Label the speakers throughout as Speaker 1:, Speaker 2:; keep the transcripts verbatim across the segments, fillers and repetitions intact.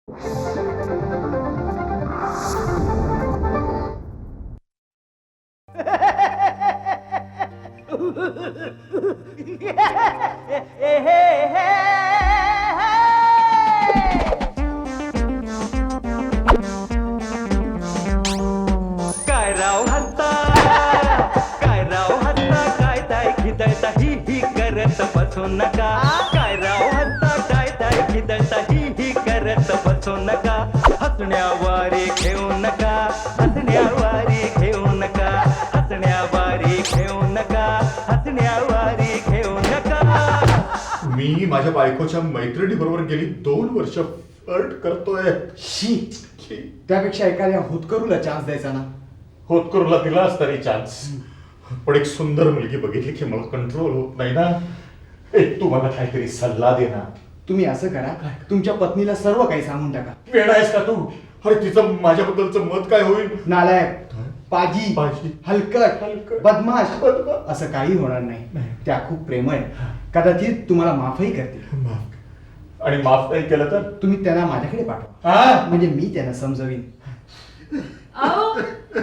Speaker 1: काय राव हत्ता काय राव हत्ता काय ताय खिदळता ही ही करत बसू नका काय राव हत्ता काय ताय खिदळता ही ही करत बसू नका हसण्यावारे घेऊ नका हसण्यावारे घेऊ नका हसण्यावारे घेऊ नका हसण्यावारे घेऊ नका.
Speaker 2: मी माझ्या बायकोच्या मैत्रिणी बरोबर गेली दोन वर्ष फ्लर्ट करतोय.
Speaker 3: शी, त्यापेक्षा एखाद्या होतकरूला चान्स द्यायचा ना.
Speaker 2: होतकरूला दिलाच तरी चान्स, पण एक सुंदर मुलगी बघितली की मला कंट्रोल होत नाही ना. एक तू मला काहीतरी सल्ला दे ना.
Speaker 3: तुम्ही असं करा, तुमच्या पत्नीला सर्व काही सांगून टाका.
Speaker 2: वेळ आहेस का तू? अरे तिचं माझ्याबद्दलचं मत काय होईल?
Speaker 3: नालायक, पाजी,
Speaker 2: पाजी,
Speaker 3: हलकट,
Speaker 2: हलकट,
Speaker 3: बदमाश,
Speaker 2: बदमाश.
Speaker 3: असं काही होणार नाही.
Speaker 2: नाही.
Speaker 3: त्या खूप प्रेमळ आहे, कदाचित तुम्हाला माफही करतील.
Speaker 2: माफ आणि माफ नाही केलं तर
Speaker 3: तुम्ही त्यांना माझ्याकडे पाठवा,
Speaker 2: हा?
Speaker 3: म्हणजे मी त्यांना समजवीन.
Speaker 4: अहो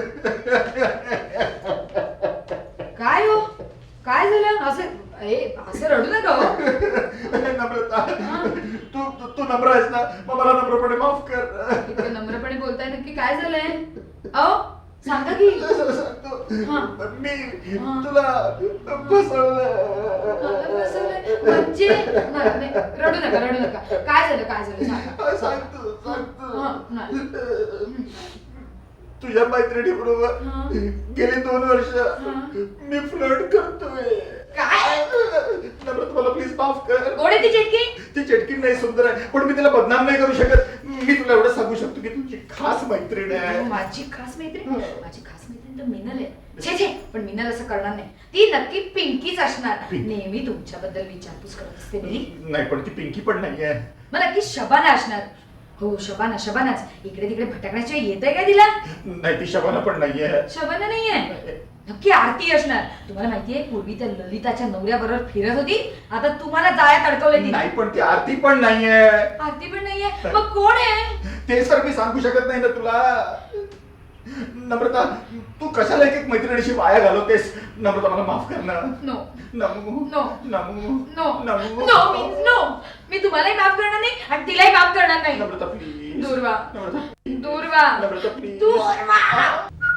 Speaker 4: काय हो, काय झालं? असं ए, असं रडू नका हो.
Speaker 2: नम्रता, तू तू- तू नम्र आहेस ना, मग मला नम्रपणे माफ कर.
Speaker 4: इतकं नम्रपणे बोलताय, नक्की काय झालंय? अहो सांगा की. हा.
Speaker 2: मी
Speaker 4: हा.
Speaker 2: तुला फसवलं.
Speaker 4: फसवलंय? म्हणजे नाही, नाही, रडू नका रडू नका. काय झालं काय झालं सांगा.
Speaker 2: सांग तू, सांग
Speaker 4: हा, नाही.
Speaker 2: तू. तुझ्या मैत्रिणी बरोबर
Speaker 4: हा.
Speaker 2: गेली दोन वर्ष
Speaker 4: हा.
Speaker 2: मी फ्लर्ट करतोय.
Speaker 4: काय?
Speaker 2: नम्रता मला प्लीज माफ कर.
Speaker 4: कोण आहे ती चिटकी?
Speaker 2: ती चटकी नाही सुंदर आहे, पण मी तिला बदनाम नाही करू शकत. मी तुला एवढं सांगू शकतो की तुझी खास मैत्रीण आहे.
Speaker 4: माझी खास मैत्रीण? माझी खास मैत्रीण तर मिनल आहे. छे छे, पण मिनल असं करणार नाही. ती नक्की पिंकीच असणार.
Speaker 2: पिंकी.
Speaker 4: नेहमी तुमच्याबद्दल विचारपूस करत असते मी.
Speaker 2: नाही, पण ती पिंकी पण नाहीये.
Speaker 4: मग नक्की शबाना असणार. हो शबाना, शबानाच. इकडे तिकडे भटकण्याच्या येतंय का तिला?
Speaker 2: नाही, ती शबाना पण नाहीये.
Speaker 4: शबाना नाहीये. नक्की आरती असणार. तुम्हाला माहितीये पूर्वी त्या ललिताच्या नवऱ्याबरोबर फिरत होती, आता तुम्हाला जाळ्यात अडकवलंय ती.
Speaker 2: नाही, पण ती आरती पण नाहीये.
Speaker 4: आरती पण नाहीये, मग कोण आहे?
Speaker 2: ते सर मी सांगू शकत नाही ना तुला. नम्रता, तू कशाला एक एक मैत्रिणीशी वाया घालवतेस? नम्रता मला माफ कर ना.
Speaker 4: No
Speaker 2: Namu
Speaker 4: no
Speaker 2: Namu
Speaker 4: no
Speaker 2: Namu
Speaker 4: no means no. मी तुम्हालाही माफ करणार नाही आणि तिलाही माफ करणार नाही.
Speaker 2: नम्रता प्लीज.
Speaker 4: दूर व्हा.
Speaker 2: नम्रता
Speaker 4: दूर व्हा.
Speaker 2: नम्रता प्लीज.
Speaker 4: दूर व्हा.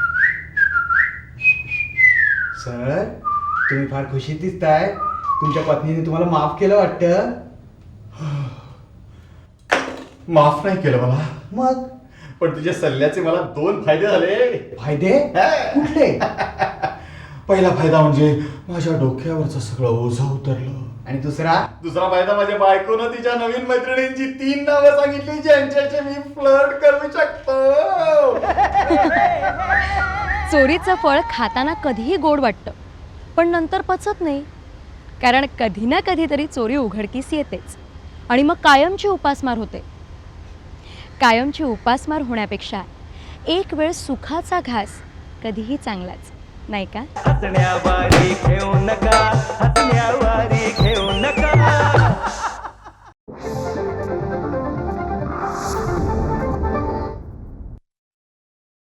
Speaker 3: सर, तुम्ही फार खुशीत दिसताय. तुमच्या पत्नीने तुम्हाला माफ केलं वाटतं.
Speaker 2: माफ नाही केलं मला,
Speaker 3: मग
Speaker 2: पण तुझ्या सल्ल्याचे मला दोन फायदे झाले.
Speaker 3: फायदे कुठले?
Speaker 2: पहिला फायदा म्हणजे माझ्या डोक्यावरचं सगळं ओझं उतरलं.
Speaker 3: आणि दुसरा?
Speaker 2: दुसरा फायदा माझ्या बायकोनं तिच्या नवीन मैत्रिणींची तीन नावं सांगितली ज्यांच्याशी मी फ्लर्ट करू शकतो.
Speaker 5: चोरीचं फळ खाताना कधीही गोड वाटतं, पण नंतर पचत नाही. कारण कधी ना कधीतरी चोरी उघडकीस येतेच आणि मग कायमची उपासमार होते. कायमची उपासमार होण्यापेक्षा एक वेळ सुखाचा घास कधीही चांगलाच, नाही का?
Speaker 1: हसण्यावारे घेऊ नका हसण्यावारे घेऊ नका.